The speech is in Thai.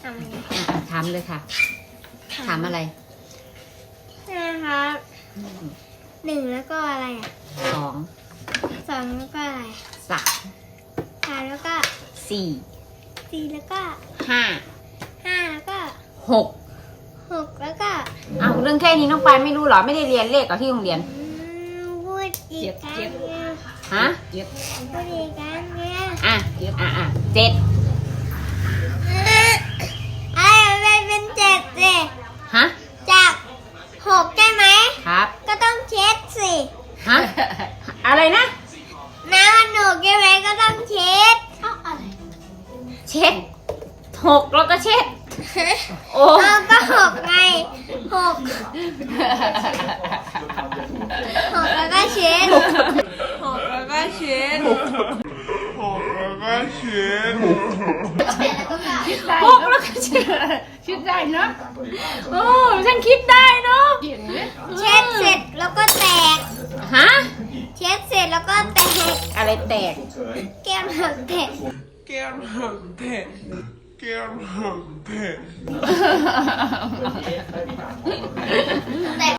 ถามเลยค่ะถามอะไรนะครับ1แล้วก็อะไรอ่ะ 2 2แล้วก็อะไร 3 แล้วก็ 4 แล้วก็ 5 แล้วก็ 6 แล้วก็เอาเรื่องแค่นี้น้องปายไม่รู้เหรอไม่ได้เรียนเลขกับที่โรงเรียนพูดอีกครั้งเนี่ยฮะพูดอีกครั้งเนี่ย 7 อะไรเป็น7สิฮะจาก6ใช่ไหมครับก็ต้องเช็ดสิฮะอะไรนะน้ำมันหนูใช่ไหมก็ต้องเช็ดเช็ด6แล้วก็เช็ดโอ้ก็6ไง6แล้วก็เช็ดแล้วก็เช็ด 6แล้วก็เช็ดคิดได้เนาะโอ้ฉันคิดได้เนาะเช็ดเสร็จแล้วก็แตกฮะเช็ดเสร็จแล้วก็แตกอะไรแตกแก้มหักแตกแก้มหักแตก